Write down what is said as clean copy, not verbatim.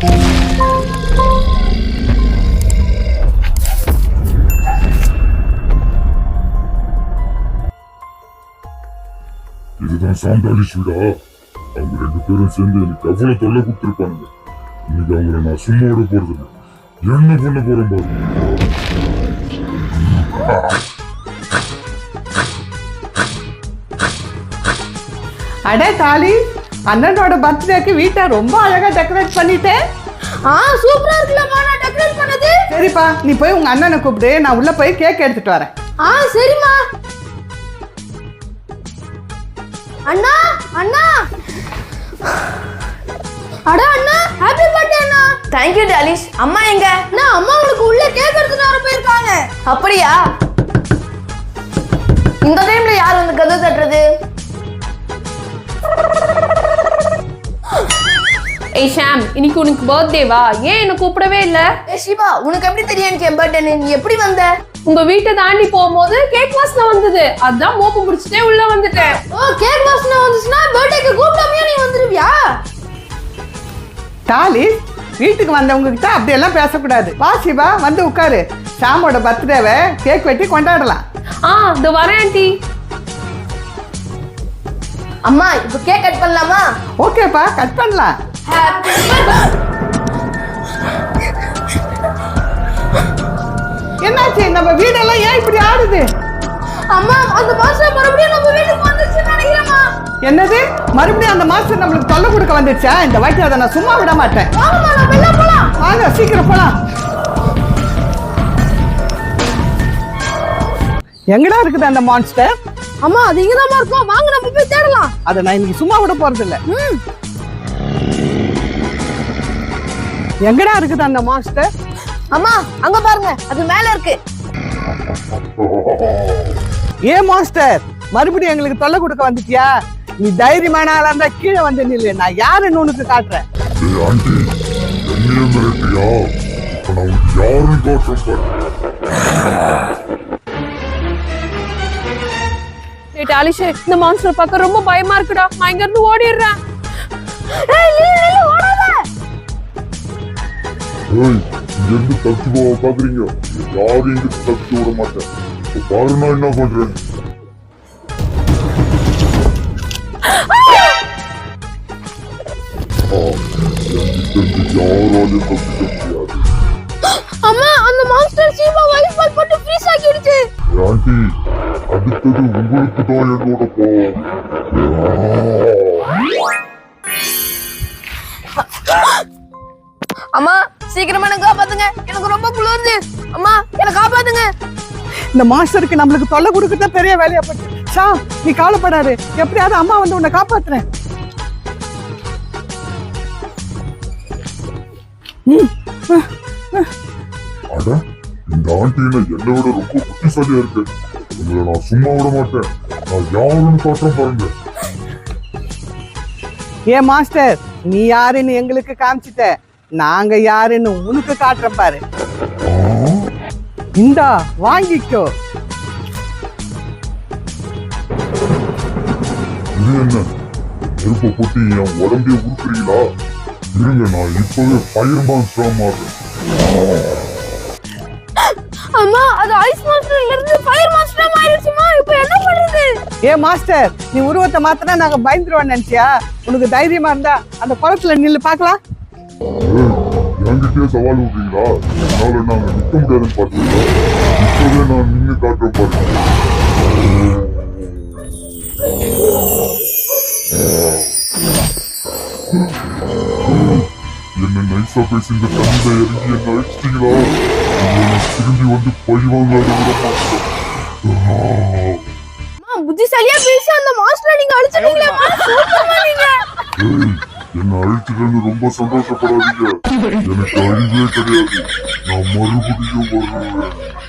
இதுதான் சாந்தாலிஷ் வீடா? அவங்க 2 பேரும் சேர்ந்து எனக்கு எவ்வளவு தொல்லை கொடுத்துருப்பானுங்க. இன்னைக்கு அவங்கள நான் சும்மா விட போறது இல்லை. என்ன பண்ண போறேன் பாரு. அடே தாலி, அண்ணனோட பர்த்டேக்கு வீட்டை ரொம்ப அழகா டெக்கரேட் பண்ணிட்டேன். சூப்பரா இருக்குல்லம்மா நான் டெக்கரேட் பண்ணது. சரிப்பா, நீ போய் உங்க அண்ணனை கூப்பிடு, நான் உள்ள போய் கேக் எடுத்துட்டு வரேன். சரிம்மா. அண்ணா அண்ணா அட அண்ணா, ஹேப்பி பர்த்டே அண்ணா. தேங்க் யூ டாலிஷ். அம்மா எங்க? நான் அம்மா உங்களுக்கு உள்ள கேக் எடுத்துட்டு வர போயிருக்காங்க. அப்படியா? இந்த டைம்ல யார் வந்து கதவு தட்டுறது? ஏய் ஷாம், இன்னைக்கு உனக்கு பர்த்டேவா? ஏன் என்ன கூப்பிடவே இல்ல? சிவா, உனக்கு எப்படி தெரியும் எனக்கு என் பர்த்டே? நீ எப்படி வந்த? உங்க வீட்டை தாண்டி போகும்போது கேக் வாசனை வந்தது, அதான் மோப்பு முடிச்சுட்டே உள்ள வந்துட்டேன். கேக் வாசனை வந்துச்சுன்னா பர்த்டேக்கு கூப்பிடாமயே நீ வந்துருவியா? தாலி, வீட்டுக்கு வந்தவங்க கிட்ட அப்படியெல்லாம் பேசக்கூடாது. வா சிவா, வந்து உட்காரு. ஷாமோட பர்த்டேவை கேக் வெட்டி கொண்டாடலாம். இதோ வரேன் ஆண்டி. அம்மா, இப்போ கேக் கட் பண்ணலாமா? ஓகேப்பா, கட் பண்ணலாம். என்னாச்சு? நம்ம வீடெல்லாம் ஏன் இப்படி ஆடுது? அம்மா, அந்த மாஸ்டர் மறுபடியும் நம்ம வீட்டுக்கு வந்துருச்சுன்னு நினைக்கிறேம்மா. என்னது? மறுபடியும் அந்த மாஸ்டர் நம்மளுக்கு தொல்லை கொடுக்க வந்துருச்சா? இந்த வாட்டி அதை நான் சும்மா விட மாட்டேன். வாங்கம்மா, நம்ம எல்லாம் போலாம். வாங்க, சீக்கிரம் போலாம். எங்கடா இருக்குது அந்த மான்ஸ்டர்? அம்மா, அது இங்கதான் இருக்கும். வாங்க நம்ம போய் தேடலாம். அதை நான் இன்னைக்கு சும்மா விட போறது இல்ல. எங்கடா இருக்குது அந்த மான்ஸ்டர்? அம்மா, அங்க பாருங்க, அது மேல இருக்கு. ஏன் மாஸ்டர், மறுபடியும் எங்களுக்கு தொல்லை கொடுக்க வந்துட்டியா? நீ தைரியமான ஆளா இருந்தா கீழே வந்து நில்லு, நான் யாருன்னு உனக்கு காட்டுறேன். ஆண்டி, என்னையே மிரட்டியா? இப்ப நான் யாரும் காட்டுறேன். டாலிஷ், இந்த மான்ஸ்டர் பார்க்க ரொம்ப பயமா இருக்குடா. நான் இங்க இருந்து ஓடிடுறேன். ஓடாத. இங்க இருந்து தப்பிச்சு போக பாக்குறீங்க? யாரும் இங்க தப்பிச்சு விட மாட்டேன். பாரு நான் என்ன பண்றேன். யாராலையும் தப்பிக்க முடியாது. அம்மா, அந்த மாஸ்டர் சீமா வைஃப் பால் போட்டு ஃப்ரீஸ் ஆக்கிடுச்சு. ஆண்டி, அடுத்தது உங்களுக்கு தான் என்னோட கோவம். அம்மா, சீக்கிரமா என்ன காப்பாத்துங்க, எனக்கு ரொம்ப குளிருது. அம்மா, என்ன காப்பாத்துங்க. இந்த மாஸ்டருக்கு நம்மளுக்கு தொல்லை கொடுக்கறத பெரிய வேலையா போச்சு. ஷா, நீ கவலைப்படாது, எப்படியாவது அம்மா வந்து உன்னை காப்பாத்துறேன். அட, இந்த ஆண்டியில என்னை விட ரொம்ப புத்திசாலியா இருக்கு. உங்களை நான் சும்மா விட மாட்டேன். நான் யாருன்னு காட்டுறேன் பாருங்க. ஏன் மாஸ்டர், நீ யாருன்னு எங்களுக்கு காமிச்சிட்ட, நாங்க யாருன்னு உனக்கு காட்டுறோம் பாரு. இந்தா, வாங்கிக்கோ. இது என்ன? நெருப்பை போட்டு என் உடம்பே உருக்குறீங்களா? இருங்க, நான் இப்பவே ஃபயர் மான்ஸ்டரா மாறுறேன். அம்மா, அது ஐஸ் மாஸ்டர்ல இருந்து ஃபயர் மாஸ்டரா மாறிடுச்சுமா. இப்போ என்ன பண்றது? ஏன் மாஸ்டர், நீ உருவத்தை மாத்தினா நாங்க பயந்துருவோம் நினைச்சியா? உனக்கு தைரியமா இருந்தா அந்த குளத்துல நில்லு பாக்கலாம். என்கிட்டயே சவால் விடுறீங்களா? என்னால நாங்க நிக்க முடியாதுன்னு பாத்தீங்களா? இப்பவே நான் நின்னு காட்டுறேன் பாருங்க. என்ன நைஸா பேசி இந்த தண்ணியில இறங்கி என்ன அழிச்சிட்டீங்களா? திரும்பி வந்து பழி வாங்காத விட மாட்டேன். புத்திசாலியா பேசி அந்த மாஸ்டரை நீங்க அழிச்சிட்டீங்களேம்மா. சூப்பர்மா நீங்க. என்ன அழிச்சிட்டேன்னு ரொம்ப சந்தோஷப்படாதீங்க. எனக்கு அறிவே கிடையாது. நான் மறுபடியும் வருவேன்.